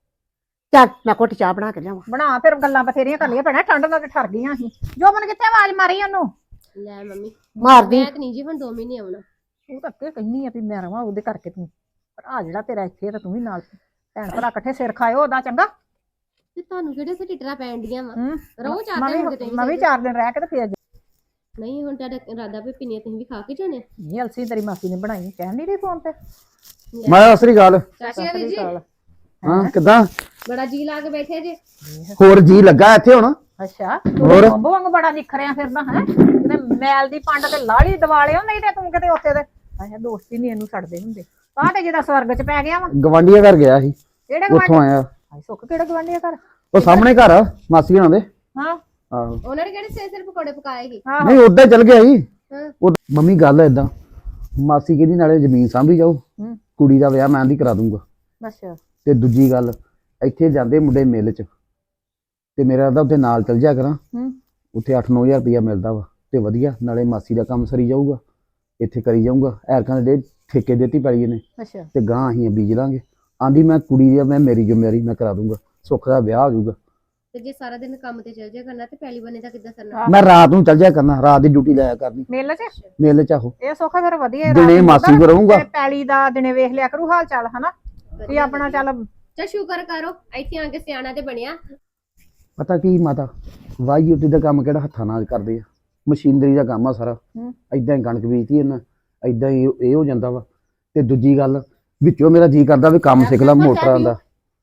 [SPEAKER 1] ਚੱਲ ਮੈਂ ਘੁੱਟ ਚਾਹ ਬਣਾ ਕੇ ਲਿਆਵਾਂ।
[SPEAKER 6] ਬਣਾ, ਫਿਰ ਗੱਲਾਂ ਬਥੇਰੀਆਂ ਕਰ ਲਈਆਂ ਭੈਣਾ, ਠੰਡ ਨਾਲ ਤੇ ਠਰ ਗਈਆਂ ਸੀ। ਜੋ ਮਨ ਕਿੱਥੇ ਆਵਾਜ਼ ਮਾਰੀ ਉਹਨੂੰ?
[SPEAKER 5] ਲੈ ਮੰਮੀ
[SPEAKER 1] ਮਾਰਦੀ
[SPEAKER 5] ਮੈਂ ਤੇ ਨਹੀਂ ਜੀ ਹੁਣ 2 ਮਹੀਨੇ ਆਉਣਾ।
[SPEAKER 6] ਉਹ ਤਾਂ ਅੱਗੇ ਕਹਿੰਦੀ ਆ ਵੀ ਮੈਂ ਰਵਾਂ ਉਹਦੇ ਕਰਕੇ ਤੂੰ, ਪਰ ਆ ਜਿਹੜਾ ਤੇਰਾ ਇੱਥੇ ਤਾਂ ਤੂੰ ਵੀ ਨਾਲ ਭੈਣ ਭਰਾ ਇਕੱਠੇ ਸਿਰ ਖਾਇਓ ਉਹਦਾ ਚੰਗਾ।
[SPEAKER 5] ਤੇ ਤੁਹਾਨੂੰ ਕਿਹੜੇ ਸੇ ਟਿਟਰਾ ਪੈਣ ਡੀਆਂ ਵਾ?
[SPEAKER 6] ਹੂੰ
[SPEAKER 5] ਰਹੋ 4 ਦਿਨ ਹੋ ਗਏ
[SPEAKER 6] ਮੈਂ ਵੀ 4 ਦਿਨ ਰਹਿ ਕੇ ਤੇ ਫੇਰ
[SPEAKER 5] ਨਹੀਂ। ਹੁਣ ਤੁਹਾਡਾ ਇਰਾਦਾ ਵੀ ਪਿੰਨੀਆਂ ਤੁਸੀਂ ਵੀ ਖਾ ਕੇ ਜਾਣੇ?
[SPEAKER 6] ਨਹੀਂ ਅਲਸੀ ਤੇਰੀ ਮਾਸੀ ਨੇ ਬਣਾਈ, ਕਹਿਣ ਨਹੀਂ ਰਹੀ ਫੋਨ ਤੇ।
[SPEAKER 2] ਮੈਂ ਅਸਰੀ ਗੱਲ
[SPEAKER 5] ਚਾਚੀ ਵੀਰ ਜੀ
[SPEAKER 2] ਹਾਂ ਕਿੱਦਾਂ
[SPEAKER 5] ਬੜਾ ਜੀ ਲਾ ਕੇ ਬੈਠੇ ਜੇ।
[SPEAKER 2] ਹੋਰ ਜੀ ਲੱਗਾ ਇੱਥੇ ਹੁਣ।
[SPEAKER 6] ਅੱਛਾ
[SPEAKER 2] ਹੋਰ?
[SPEAKER 6] ਬੰਬ ਵਾਂਗ ਬੜਾ ਨਿਖਰਿਆ ਫਿਰਦਾ ਹੈ ਕਿਤੇ ਮੈਲ ਦੀ ਪੰਡ ਤੇ ਲਾਲੀ ਦਿਵਾਲਿਓ ਨਹੀਂ ਤੇ ਤੂੰ ਕਿਤੇ ਉੱਥੇ ਦੇ ਅੱਛਾ ਦੋਸਤੀ ਨਹੀਂ ਇਹਨੂੰ ਛੱਡਦੇ ਹੁੰਦੇ ਆਹ ਤੇ ਜਿਹਦਾ ਸਵਰਗ ਚ ਪੈ ਗਿਆ ਵਾ
[SPEAKER 2] ਗਵਾਂਢੀਆਂ ਘਰ ਗਿਆ ਸੀ,
[SPEAKER 6] ਕਿਹੜੇ
[SPEAKER 2] ਉੱਥੋਂ
[SPEAKER 6] ਗਵਾਂਢੀ
[SPEAKER 2] ਆਇਆ।
[SPEAKER 6] ਹਾਏ ਸੁੱਖ ਕਿਹੜੇ ਗਵਾਂਢੀਆਂ ਘਰ
[SPEAKER 2] ਉਹ ਸਾਹਮਣੇ ਘਰ ਆ ਮਾਸੀ ਹੋਣਾ ਦੇ।
[SPEAKER 6] ਹਾਂ
[SPEAKER 2] ਆਹੋ
[SPEAKER 5] ਉਹਨਾਂ ਨੇ ਕਿਹੜੇ ਸਿਰ ਪਕੌੜੇ ਪਕਾਏਗੀ
[SPEAKER 6] ਆਹੋ
[SPEAKER 2] ਨਹੀਂ ਉੱਦਾਂ ਹੀ ਚਲ ਗਿਆ ਸੀ।
[SPEAKER 5] ਹਾਂ।
[SPEAKER 2] ਉਹ ਮੰਮੀ ਗੱਲ ਏਦਾਂ, ਮਾਸੀ ਕਹਿੰਦੀ ਨਾਲੇ ਜ਼ਮੀਨ ਸਾਂਭੀ ਜਾਓ,
[SPEAKER 6] ਹੂੰ।
[SPEAKER 2] ਕੁੜੀ ਦਾ ਵਿਆਹ ਮੈਂ ਆਂਦੀ ਕਰਾ ਦੂੰਗਾ।
[SPEAKER 6] ਅੱਛਾ
[SPEAKER 2] ਤੇ ਦੂਜੀ ਗੱਲ, ਇੱਥੇ ਜਾਂਦੇ ਮੁੰਡੇ ਮਿਲ ਚ, ਤੇ ਮੇਰਾ ਤਾਂ ਉੱਥੇ ਨਾਲ ਚਲ ਜਾ ਕਰਾਂ।
[SPEAKER 6] ਹੂੰ।
[SPEAKER 2] ਉੱਥੇ 8-9 ਹਜ਼ਾਰ ਰੁਪਇਆ ਮਿਲਦਾ ਵਾ ਤੇ ਵਧੀਆ, ਨਾਲੇ ਮਾਸੀ ਦਾ ਕੰਮ ਸਰੀ ਜਾਊਗਾ, ਇੱਥੇ ਕਰੀ ਜਾਊਗਾ। ਐਰਕਾਂ ਦੇ ਠੇਕੇ ਦਿੱਤੀ ਪੈਲੀ ਇਹਨੇ
[SPEAKER 6] ਅੱਛਾ
[SPEAKER 2] ਤੇ ਗਾਂ ਅਸੀਂ ਬੀਜ ਲਾਂਗੇ। ਆਂਦੀ ਮੈਂ ਕੁੜੀ ਦੀ ਮੈਂ ਮੇਰੀ ਜ਼ਿੰਮੇਵਾਰੀ ਮੈਂ ਕਰਾ ਦੂੰਗਾ, ਸੁੱਖ ਦਾ ਵਿਆਹ ਹੋ ਜਾਊਗਾ।
[SPEAKER 5] ਤੇ ਜੇ ਸਾਰਾ ਦਿਨ ਕੰਮ ਤੇ ਚਲ ਜਾ ਕਰਨਾ ਤੇ ਪਹਿਲੀ ਬਣੇ ਦਾ ਕਿੱਦਾਂ ਕਰਨਾ
[SPEAKER 2] ਮੈਂ ਰਾਤ ਨੂੰ ਚਲ ਜਾ ਕਰਨਾ, ਰਾਤ ਦੀ ਡਿਊਟੀ ਲਾਇਆ ਕਰਨੀ
[SPEAKER 6] ਮੇਲੇ ਚ
[SPEAKER 2] ਮੇਲੇ ਚ। ਆਹੋ
[SPEAKER 6] ਇਹ ਸੁੱਖ ਫਿਰ ਵਧੀਆ
[SPEAKER 2] ਦਿਨੇ ਮਾਸੀ ਕੋ ਰਹੂੰਗਾ।
[SPEAKER 6] ਤੇ ਪੈਲੀ ਦਾ ਦਿਨੇ ਵੇਖ ਲਿਆ ਕਰੂ ਹਾਲ ਚਾਲ ਹਨਾ ਵੀ ਆਪਣਾ ਚੱਲ
[SPEAKER 5] ਚਾ ਸ਼ੁਕਰ ਕਰੋ ਇੱਥੇ ਆ ਕੇ ਸਿਆਣਾ ਤੇ ਬਣਿਆ
[SPEAKER 2] ਪਤਾ ਕੀ ਮਾਤਾ, ਵਾਹੀ ਉੱਤੇ ਦਾ ਕੰਮ ਕਿਹੜਾ ਹੱਥਾਂ ਨਾਲ ਕਰਦੇ ਆ, ਮਸ਼ੀਨਰੀ ਦਾ ਕੰਮ ਆ ਸਾਰਾ।
[SPEAKER 6] ਹੂੰ।
[SPEAKER 2] ਏਦਾਂ ਹੀ ਕਣਕ ਬੀਜਤੀ ਇਹਨਾਂ, ਏਦਾਂ ਹੀ ਇਹ ਹੋ ਜਾਂਦਾ ਵਾ। ਤੇ ਦੂਜੀ ਗੱਲ, ਵਿੱਚੋਂ ਮੇਰਾ ਜੀ ਕਰਦਾ ਵੀ ਕੰਮ ਸਿੱਖ ਲਾ ਮੋਟਰਾਂ ਦਾ।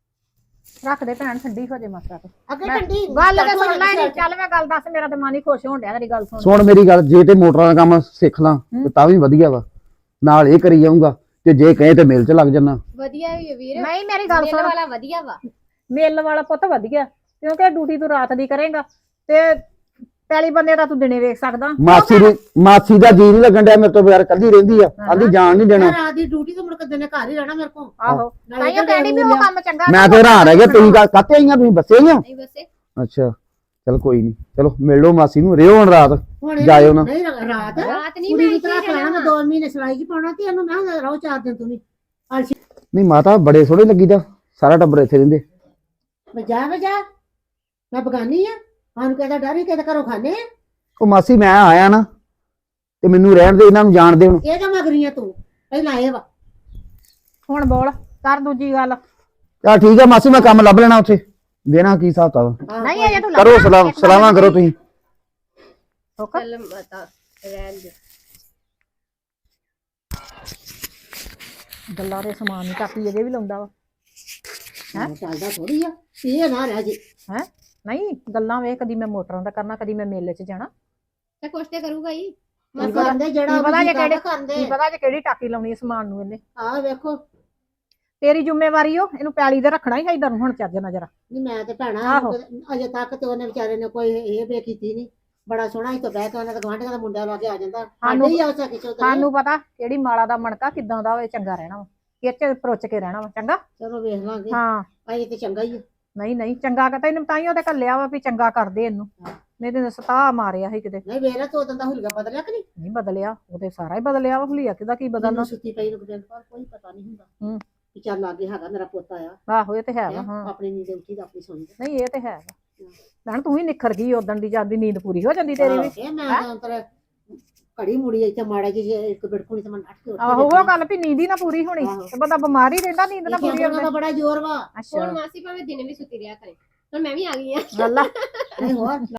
[SPEAKER 6] ਰੱਖ ਦੇ ਭੈਣ ਠੰਡੀ ਹੋ ਜੇ ਮਾਸਾ ਤੇ
[SPEAKER 1] ਅੱਗੇ
[SPEAKER 6] ਮੈਂ-
[SPEAKER 1] ਠੰਡੀ
[SPEAKER 6] ਗੱਲ ਤੇ ਸੁਣ ਲੈ ਨੀ ਚੱਲ ਮੈਂ ਗੱਲ ਦੱਸ ਮੇਰਾ ਤੇ ਮਨ ਹੀ ਖੁਸ਼ ਹੋਣ ਡਿਆ ਤੇਰੀ ਗੱਲ ਸੁਣ
[SPEAKER 2] ਸੁਣ ਮੇਰੀ ਗੱਲ, ਜੇ ਤੇ ਮੋਟਰਾਂ ਦਾ ਕੰਮ ਸਿੱਖ ਲਾਂ ਤੇ ਤਾਂ ਵੀ ਵਧੀਆ ਵਾ, ਨਾਲ ਇਹ ਕਰੀ ਜਾਊਂਗਾ। ਤੇ ਜੇ ਕਹੇ ਤੇ ਮਿਲ ਚ ਲੱਗ ਜਾਣਾ।
[SPEAKER 5] ਵਧੀਆ ਹੀ ਹੈ ਵੀਰ
[SPEAKER 6] ਨਹੀਂ ਮੇਰੀ ਗੱਲ
[SPEAKER 5] ਮੇਲ
[SPEAKER 6] ਸੁਣ
[SPEAKER 5] ਵਾਲਾ ਵਧੀਆ ਵਾ
[SPEAKER 6] ਮੇਲ ਵਾਲਾ ਪੁੱਤ ਵਧੀਆ ਕਿਉਂਕਿ ਡਿਊਟੀ ਤੂੰ ਰਾਤ ਦੀ ਕਰੇਗਾ ਤੇ ਪਹਿਲੀ ਬੰਦੇ ਦਾ ਤੂੰ ਦਿਨੇ ਵੇਖ ਸਕਦਾ
[SPEAKER 2] ਮਾਸੀ ਦਾ ਜੀ ਨਹੀਂ ਲੱਗਣ ਡਿਆ ਮੇਰੇ ਤੋਂ ਬਗੈਰ, ਕੱਲੀ ਰਹਿੰਦੀ ਆ, ਆਂਦੀ ਜਾਣ ਨਹੀਂ ਦੇਣਾ।
[SPEAKER 1] ਰਾਤ ਦੀ ਡਿਊਟੀ ਤੋਂ ਮੁੜ ਕੇ ਦਿਨੇ ਘਰ ਹੀ ਰਹਿਣਾ ਮੇਰੇ ਕੋਲ।
[SPEAKER 6] ਆਹੋ ਤਾਈਓ ਕਹਿੰਦੀ ਵੀ ਉਹ ਕੰਮ ਚੰਗਾ
[SPEAKER 2] ਮੈਂ ਤੇ ਹੈਰਾਨ ਰਹਿ ਗਿਆ, ਤੁਸੀਂ ਕਾਤੇ ਆਈਆਂ, ਤੁਸੀਂ ਬੱਸੇ ਆਈਆਂ?
[SPEAKER 5] ਨਹੀਂ ਵਸੇ
[SPEAKER 2] ਅੱਛਾ ਚਲ ਕੋਈ ਨਹੀਂ, ਚਲੋ ਮਿਲ ਲਓ ਮਾਸੀ ਨੂੰ, ਰਿਓ ਹੁਣ ਰਾਤ
[SPEAKER 1] ਹੁਣ ਇਹ
[SPEAKER 2] ਜਾਇਓ ਨਾ।
[SPEAKER 1] ਨਹੀਂ ਰਾਤ
[SPEAKER 5] ਰਾਤ ਨਹੀਂ
[SPEAKER 1] ਕੁੜੀ
[SPEAKER 5] ਮੈਂ
[SPEAKER 1] ਨੂੰ
[SPEAKER 5] ਇੱਥੇ
[SPEAKER 1] ਤਰਾ
[SPEAKER 5] ਰਹਿਣਾ
[SPEAKER 1] ਕਰਾਣਾ, ਮੈਂ 2 ਮਹੀਨੇ ਸਿਲਾਈ ਚ ਪਾਉਣਾ ਤੇ ਇਹਨੂੰ ਮੈਂ ਰਹੋ 4 ਦਿਨ ਤੂੰ ਵੀ।
[SPEAKER 2] ਨਹੀਂ ਮਾਤਾ ਬੜੇ ਸੋਹਣੇ ਲੱਗੀਦਾ, ਸਾਰਾ ਟੱਬਰ ਇੱਥੇ ਰਹਿੰਦੇ।
[SPEAKER 1] ਵਜਾ ਮੈਂ ਬਗਾਨੀ ਆ, ਸਾਨੂੰ ਕਿਹਦਾ ਡਰ ਹੀ ਕਿਹਦੇ ਘਰੋਂ ਖਾਣੇ ਆ।
[SPEAKER 2] ਉਹ ਮਾਸੀ ਮੈਂ ਆਇਆ ਨਾ ਤੇ ਮੈਨੂੰ ਰਹਿਣ ਦੇ, ਇਹਨਾਂ ਨੂੰ ਜਾਣ ਦੇ ਹੁਣ।
[SPEAKER 1] ਇਹ ਤਾਂ ਮਗਰੀਆਂ ਤੂੰ ਪਹਿਲਾਂ ਆਏ ਵਾ।
[SPEAKER 6] ਹੁਣ ਬੋਲ ਕਰ ਦੂਜੀ ਗੱਲ
[SPEAKER 2] ਚਲ ਠੀਕ ਆ ਮਾਸੀ, ਮੈਂ ਕੰਮ ਲੱਭ ਲੈਣਾ ਉੱਥੇ, ਦੇਣਾ ਕੀ ਹਿਸਾਬ ਤਾ।
[SPEAKER 6] ਨਹੀਂ ਅਜੇ ਤੂੰ
[SPEAKER 2] ਕਰੋ ਸਲਾਮਾਂ ਕਰੋ ਤੁਸੀਂ।
[SPEAKER 6] ਸੁੱਖ
[SPEAKER 5] ਚੱਲ ਮਾਤਾ ਰਹਿਣ ਦੇ
[SPEAKER 6] ਗੱਲਾਂ ਦੇ ਸਮਾਨ ਨਹੀਂ ਕਾਪੀ ਅਜੇ ਵੀ ਲਾਉਂਦਾ ਵਾ
[SPEAKER 1] ਚੱਲਦਾ ਥੋੜੀ ਆ, ਇਹ ਨਾ ਰਹਿ ਜੇ।
[SPEAKER 6] ਹੈ ਨਹੀਂ ਗੱਲਾਂ ਵੇਖ ਕਦੀ ਮੈਂ ਮੋਟਰਾਂ ਦਾ ਕਰਨਾ ਕਦੀ ਮੈਂ ਮੇਲੇ 'ਚ ਜਾਣਾ
[SPEAKER 5] ਤੇ ਕੁਛ ਤੇ ਕਰੂਗਾ ਹੀ
[SPEAKER 1] ਕੀ ਕਰਦੇ ਜਿਹੜਾ
[SPEAKER 6] ਕੀ ਪਤਾ ਜੇ ਕਿਹੜੇ
[SPEAKER 1] ਕਰਦੇ
[SPEAKER 6] ਕੀ ਪਤਾ ਜੇ ਕਿਹੜੀ ਟਾਕੀ ਲਾਉਣੀ ਹੈ ਸਮਾਨ ਨੂੰ ਇਹਨੇ
[SPEAKER 1] ਆਹ ਵੇਖੋ।
[SPEAKER 6] ਤੇਰੀ ਜ਼ਿੰਮੇਵਾਰੀ ਓ ਇਹਨੂੰ ਪੈਲੀ ਦੇ ਰੱਖਣਾ ਹੀ ਇਧਰ ਨੂੰ ਹੁਣ ਚੱਜ ਨਾ ਜਰਾ
[SPEAKER 1] ਨਹੀਂ ਮੈਂ ਤੇ ਭੈਣਾ
[SPEAKER 6] ਆਹੋ।
[SPEAKER 1] ਅਜੇ ਤੱਕ ਤੇ ਉਹਨੇ ਵਿਚਾਰੇ ਨੇ ਕੋਈ ਇਹ ਬੇ ਕੀਤੀ ਨਹੀਂ। ਬੜਾ ਸੋਹਣਾ ਹੀ ਤਾਂ ਬਹਿ ਕੇ ਉਹਨਾਂ ਦੇ ਗਵਾਂਢੀਆਂ ਦਾ ਮੁੰਡਾ ਲਾ ਕੇ ਆ ਜਾਂਦਾ।
[SPEAKER 6] ਸਾਨੂੰ-
[SPEAKER 1] ਸਾਡੇ ਹੀ ਆ ਸਕੇ ਚੋ
[SPEAKER 6] ਸਾਨੂੰ ਪਤਾ ਕਿਹੜੀ ਮਾਲਾ ਦਾ ਮਣਕਾ ਕਿਦਾਂ ਦਾ ਹੋਵੇ ਚੰਗਾ ਰਹਿਣਾ ਵਾ ਕਿੱਚ ਪਰੁੱਚ ਕੇ ਰਹਿਣਾ ਵਾ ਚੰਗਾ
[SPEAKER 1] ਚਲੋ ਵੇਖ ਲਾਂਗੇ।
[SPEAKER 6] ਹਾਂ
[SPEAKER 1] ਅਜੇ ਤੇ ਚੰਗਾ ਹੀ ਆ।
[SPEAKER 6] ਨਹੀਂ ਚੰਗਾ ਕਹਤਾ ਇਹਨੂੰ ਤਾਂ ਹੀ ਉਹਦੇ ਘੱਲਿਆ ਵਾ ਵੀ ਚੰਗਾ ਕਰਦੇ ਇਹਨੂੰ ਨਹੀਂ ਤੇ ਸਤਾ ਮਾਰਿਆ ਸੀ ਕਿਤੇ
[SPEAKER 1] ਨਹੀਂ ਵੇਖ ਲੈ ਤੂੰ ਉਦੋਂ ਦਾ ਹੁਲੀਆ ਬਦਲਿਆ ਕਿ ਨਹੀਂ।
[SPEAKER 6] ਨਹੀਂ ਬਦਲਿਆ ਉਹਦੇ ਸਾਰਾ ਹੀ ਬਦਲਿਆ ਵਾ ਹੁਲੀਆ ਕਿਦਾ ਕੀ ਬਦਲਣਾ
[SPEAKER 1] ਮੈਨੂੰ ਸੁੱਤੀ ਪਈ ਨੂੰ ਦਿਨ ਪਰ ਕੋਈ ਪਤਾ ਨਹੀਂ ਹੁੰਦਾ
[SPEAKER 6] ਹੂੰ।
[SPEAKER 1] ਕਿ ਚੱਲ ਲਾਗੇ ਹੈਗਾ ਮੇਰਾ ਪੁੱਤ ਆਇਆ
[SPEAKER 6] ਆਹੋ ਇਹ ਤੇ ਹੈ ਵਾ ਹਾਂ
[SPEAKER 1] ਆਪਣੀ ਨੀਂਦ ਉੱਠੀ ਤਾਂ ਆਪਣੀ ਸੌਂ ਜਾ।
[SPEAKER 6] ਨਹੀਂ ਇਹ ਤੇ ਹੈ ਵਾ ਭੈਣ ਤੂੰ ਵੀ ਨਿਖਰ ਗਈ ਉਦਣ ਦੀ ਜਾਂਦੀ ਨੀਂਦ ਪੂਰੀ ਹੋ ਜਾਂਦੀ ਤੇਰੀ ਵੀ
[SPEAKER 1] ਇਹ ਮੈਂ ਤਾਂ ਅੰਤਰ ਘੜੀ ਮੁੜੀ ਇੱਥੇ ਮਾੜਾ ਜੀ ਇੱਕ ਬਿੜਕੁਣੀ ਤੇ ਮੈਂ ਨੱਠ ਕੇ ਉੱਠ
[SPEAKER 6] ਆਹੋ ਉਹ ਗੱਲ ਵੀ ਨੀਂਦ ਹੀ ਨਾ ਪੂਰੀ ਹੋਣੀ
[SPEAKER 1] ਆਹੋ।
[SPEAKER 6] ਤੇ ਬੰਦਾ ਬਿਮਾਰ ਹੀ ਰਹਿੰਦਾ ਨੀਂਦ ਨਾ ਪੂਰੀ
[SPEAKER 1] ਦਾ
[SPEAKER 6] ਹੋਵੇ
[SPEAKER 1] ਬੜਾ ਜ਼ੋਰ ਵਾ।
[SPEAKER 6] ਅੱਛਾ
[SPEAKER 5] ਹੁਣ ਮਾਸੀ ਭਾਵੇਂ ਦਿਨੇ ਵੀ ਸੁੱਤੀ ਰਿਹਾ ਕਰੇ ਹੁਣ ਮੈਂ ਵੀ ਆ ਗਈ ਆ
[SPEAKER 6] ਗੱਲਾਂ
[SPEAKER 1] ਨਹੀਂ ਹੋਰ